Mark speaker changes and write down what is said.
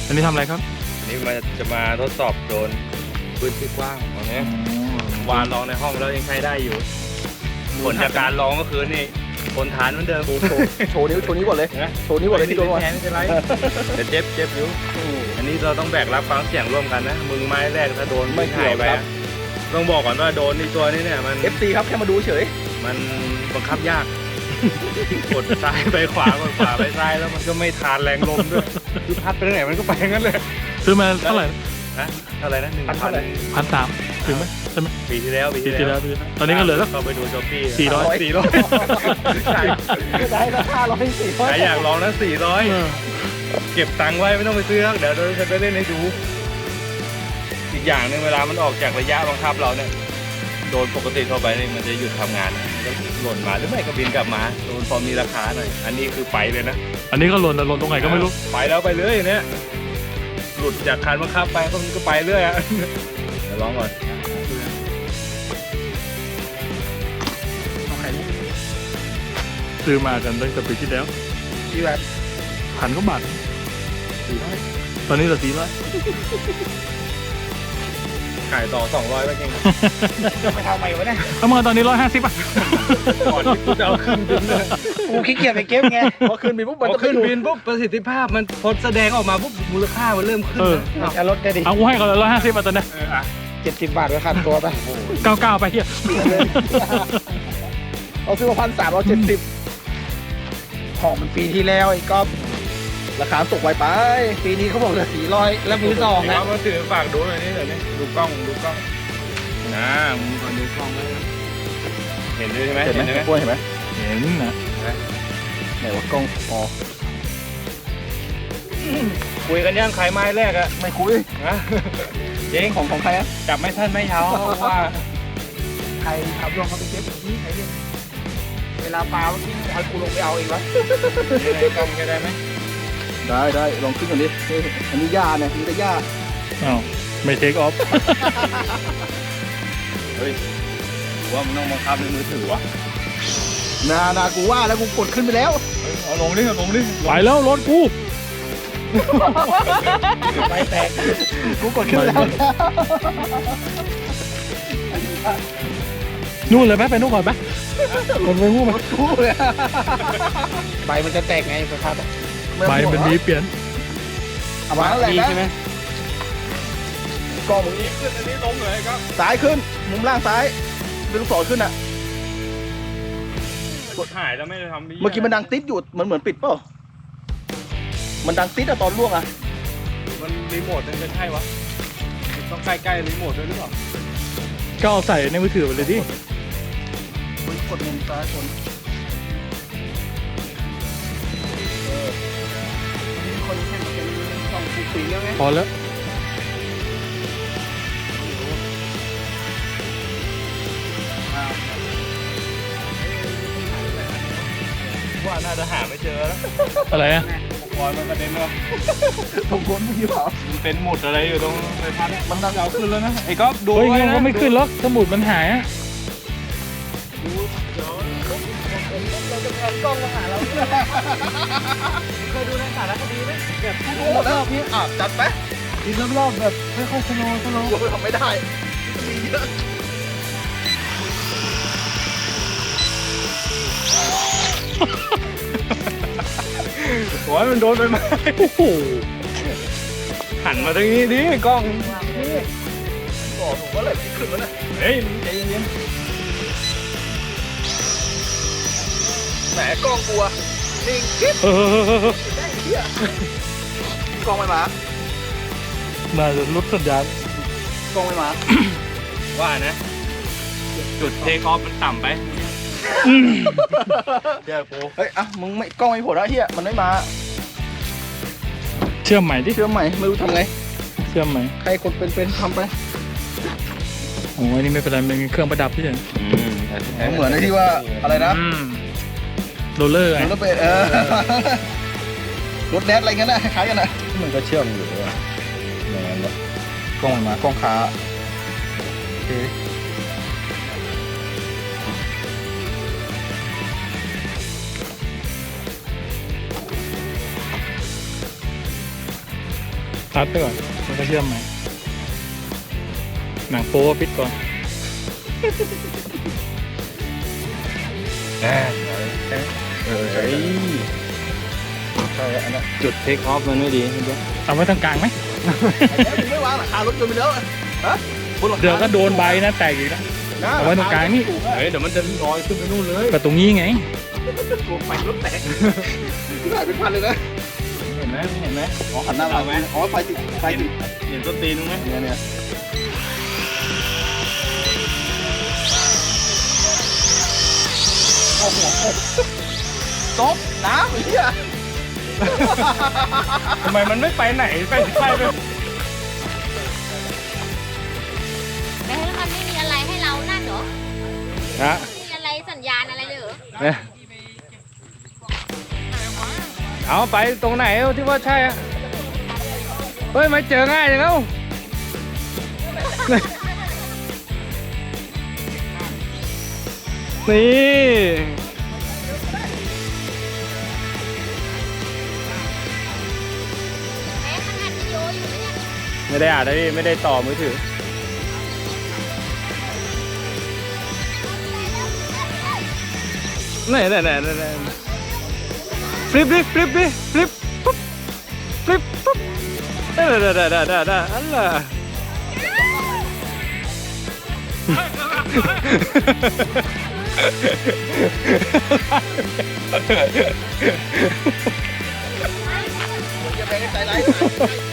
Speaker 1: อันนี้ทำอะไรครับ
Speaker 2: อันนี้มันจะมาทดสอบโดรนพื้นที่กว้างของนี้วานลองในห้องแล้วยังใช้ได้อยู่ผลจากการลองก็คือนี่ทนทานเหมือนเดิม
Speaker 3: โชว์นิ้วก่อนเลยโชว์นิ้วก่อนเลยที่โดน
Speaker 2: แทนไม่เป็นไรแต่เจ็บอยู่อันนี้เราต้องแบกรับฟังเสียงร่วมกันนะมึงไม้แรกถ้าโดนไม่หายไปต้องบอกก่อนว่าโดนในตัวนี้เนี่ยมัน
Speaker 3: FC ครับแค่มาดูเฉย
Speaker 2: มันบังคับยากกดซ้ายไปขวากดขวาไปซ้ายแล้วมันก็ไม่ทานแรงลมด้วยคือพัดไปทางไหนมันก็ไปงั้นเลย
Speaker 1: ซื้อมาเท่าไหร่
Speaker 2: นะเท่าไหร่นะ1,000
Speaker 1: 1,300ถึงไหมใช่ไหม
Speaker 2: ปีที่แล้ว
Speaker 1: ตอนนี้ก็เหลือสัก
Speaker 2: เราไปดูช้อปปี้
Speaker 1: 400
Speaker 2: ใช่
Speaker 3: ได้ราคา140
Speaker 2: ใครอยากลองนะ400เก็บตังค์ไว้ไม่ต้องไปซื้อเดี๋ยวเราจะไปเล่นให้ดูอีกอย่างหนึงเวลามันออกจากระยะบังคับเราเนี่ยโดนปกติทั่วไปนี่มันจะหยุดทำงานนะมันก็หล่นมาหรือไม่ก็บินกลับมาโดนพอมีราคาหน่อยอันนี้คือไปเลยนะ
Speaker 1: อันนี้ก็หล่นแต่หล่นตรงไหนก็ไม่รู้
Speaker 2: ไปแล้วไปเลยเนี่ยหลุดจากคันบังคับไปก็มันก็ไปเรื่อยอ่ะเดี๋ยวลองก่อน
Speaker 1: ซื้อมากันตั้งแต่ปีที่แล้ว
Speaker 3: ที่แบบ
Speaker 1: 1,000 กว่าบาท400ตอนนี้เหลือ400
Speaker 2: ขายต่อ200ไปเก่ง
Speaker 3: จะไปทำไมวะเนี่ย
Speaker 1: เอามาตอนนี้150อ่ะ
Speaker 2: ก่อนที่กูจะเอาขึ้นบินเลย
Speaker 3: กูขี้เกียจไปเก็บไงพอขึ้นบินปุ๊บ
Speaker 2: พ
Speaker 3: มัน
Speaker 2: อ
Speaker 3: จะ
Speaker 2: ขึ้นบินปุ๊บประสิทธิภาพมันพอแสดงออกมาปุ๊บมูลค่ามันเริ่มขึ้นนะ
Speaker 3: จะลดได้ดิ
Speaker 1: เอากูให้ก่อนเลย150อ่ะตอนนี้
Speaker 3: 70 บาทไว้ขัดตัวไป
Speaker 1: 99ไปเฮีย
Speaker 3: เอาซื้อมา1,370ของมันปีที่แล้วไอ้ก๊อฟราคาตกไวไปปีนี้เขาบอกเหลือ400แล้วมือสองนะ
Speaker 2: เอามาถือฝากดูหน่อยนี่เดี๋ยวนี้ดูกล้องนะมึงก่อนดูกล้องไว้นะเห็นด้วยใช่ไหม
Speaker 3: เห็นไหมกล้วยเห็นไหม
Speaker 1: เห็นนะ
Speaker 3: ไหนว่ากล้องอ๋อ
Speaker 2: คุยกันย่างขายไม้แรกอะ
Speaker 3: ไม่คุย
Speaker 2: นะจริง
Speaker 3: ของใครอะ
Speaker 2: จับไม่ทันไม่เท้าว่า
Speaker 3: ใครขับลงเขาไปเก็บนี่ใครเรียกเวลาปลาเมื่อกี้ให้กูลงไปเอาเองวะ
Speaker 2: ยังไงกล้องจะได้ไหม
Speaker 3: ได้ลองขึ้นก่อนดิอันนี้หญ้าเนี่ยนี่ก็หญ้า
Speaker 1: อ้าวไม่เทคออฟ
Speaker 2: เฮ้ยว่ามันต้องบังคับในมือถือวะ
Speaker 3: นากูว่าแล้วกูกดขึ้นไปแล้ว
Speaker 2: เอาลงดิ
Speaker 1: ไปแล้วรถกู
Speaker 3: ไปแตกกูกดขึ้นไปแล้ว
Speaker 1: นู่นเลยไหมไปนู่นก่อนไหมคนไปงู้ไหม
Speaker 3: กูเลยใบมันจะแตกไงสภาพ
Speaker 1: ใบมันมีเปลี่ยน
Speaker 3: เอามาแล้วแหละนะ
Speaker 2: ใช่ไหม
Speaker 3: กล้องมึงนี่
Speaker 2: ขึ้นอันนี้ลงเลยครับ
Speaker 3: ซ้ายขึ้นมุมล่างซ้ายเป็นลูกศรขึ้นอ่ะ
Speaker 2: กดหายแล้วไม่ได้ทำ
Speaker 3: เมื่อกี้มันดังติดอยู่เหมือนปิดเปล่ามันดังติดอะตอนล่วงอะ
Speaker 2: มันรีโมทมันจะใช่วะมันต้องใกล้ๆรีโมทด้วยหรือเปล่า
Speaker 1: ก็เอาใส่ในมือถือไปเลยดิ
Speaker 3: กดมุมซ้ายคนคนแข่งเป็นสองสีแล้วไง
Speaker 1: พอแล้ว
Speaker 2: ว่าน่าจะหาไม่เจอแล้ว
Speaker 1: อะไรอ่ะ
Speaker 2: อุปกรณ์มันกระเด็นแล้ว
Speaker 3: ผมคนเมื่อกี้เปล่า
Speaker 2: มันเป็นหมุดอะไรอยู่ตรงใบพัดเนี่ย
Speaker 3: มันดัง
Speaker 2: เอาขึ้นแล้วนะไอ้ก๊อฟดู
Speaker 1: เฮ้ย
Speaker 2: ไว้
Speaker 1: งั้น
Speaker 2: นะ
Speaker 1: ก็ไม่ขึ้นหรอกสมุดมันหายอ่ะ
Speaker 3: เราจะแพนกล้องมาหาเรา
Speaker 2: เคยดูในสารคดีไหมแบบ
Speaker 3: ดูรอบนี้จัดไป
Speaker 1: ดินรอบๆแบบค่อยๆสโลว์
Speaker 3: กูทำไม่ได้มีเยอะ
Speaker 2: โอ้ยมันโดนไปไหม
Speaker 1: โอ้โห
Speaker 2: หันมาทางนี้ดิกล้อง
Speaker 3: บอกผมว่าอะไรที่ขึ้นแล้วนะ
Speaker 2: เฮ้ยใจเย็น
Speaker 3: แหมกล้องกลัวนิ่งกิ๊บ ได้เหี้ยกล้องไม่มา
Speaker 1: น่าจะลดสัญญาณ
Speaker 3: กล้องไม่มา
Speaker 2: ๆว่านะจุดเทคออฟมันต่ำไปเดี๋ยวกู
Speaker 3: เฮ้ยมึงไม่กล้องไม่ผลแล้วเฮียมันไม่มา
Speaker 1: เชื่อมใหม่ดิ
Speaker 3: เชื่อมใหม่ไม่รู้ทำไง
Speaker 1: เชื่อมใหม่
Speaker 3: ใครคนเป็นทำไป
Speaker 1: โอ้ยนี่ไม่เป็นไรมันเป็นเครื่องประดับพี่เฉย
Speaker 3: เหมือนไอ้ที่ว่าอะไรนะ
Speaker 1: โรลเลอร์ไง
Speaker 3: รถเป็นรถแดดอะไรเงี้ยนะคล้ายกันนะ
Speaker 2: มันก็เชื่อมอยู่ด้วยอย่างนั้นแหละ
Speaker 3: กล้องมันมากล้องขา
Speaker 1: ตัดไปก่อนแล้วก็เชื่อมใหม่หนังโป๊ปิดก่อน
Speaker 2: ใช่
Speaker 3: อันนั้น
Speaker 2: จุดเทคออฟมันไม่ดีเห็นปะ
Speaker 1: เอาไว้ตรงกลางไหม
Speaker 3: ไม่วางหลังคารถยนต์ไปแล้วฮะบนหลังคา
Speaker 1: เดี๋ยวก็โดนใบนะแตกอีกแล้ว เอาไว้ตรงกลางนี่
Speaker 2: เฮ้ยเดี๋ยวมันจะลอยขึ้นไปนู่นเลย
Speaker 1: ก็ตรงนี้ไง
Speaker 3: โกงไปรถแตกที่ไหนเป็นพันเลยนะ
Speaker 2: เห็นไหมเห็นไหม
Speaker 3: อ๋อขันหน้ามาไหมอ๋อไฟติดไฟติด
Speaker 2: เห็นต้นตีนมั้ย
Speaker 3: เนี่ยโอ้โหจบน้ำไอ้เหี้ย
Speaker 2: ทำไมมันไม่ไปไหนไปไป
Speaker 4: แต่มันไม่มีอะไรให้เรานั่นเหรอ
Speaker 2: ฮะ
Speaker 4: มีอะไรสัญญาณอะไรเลยเหรอ
Speaker 2: เนี่ยเอาไปตรงไหนที่ว่าใช่อะเฮ้ยไม่เจอง่ายอย่างแล้วนี่
Speaker 4: แม้ขนาดวิดีโออยู่เนี่ย
Speaker 2: ไม่ได้อ่านนะพี่ไม่ได้ต่อมือถือไหนฟลิปดิฟลิปดิฟลิปปุ๊บฟลิปปุ๊บได้อันล่ะ
Speaker 3: อย่าไปใจร้าย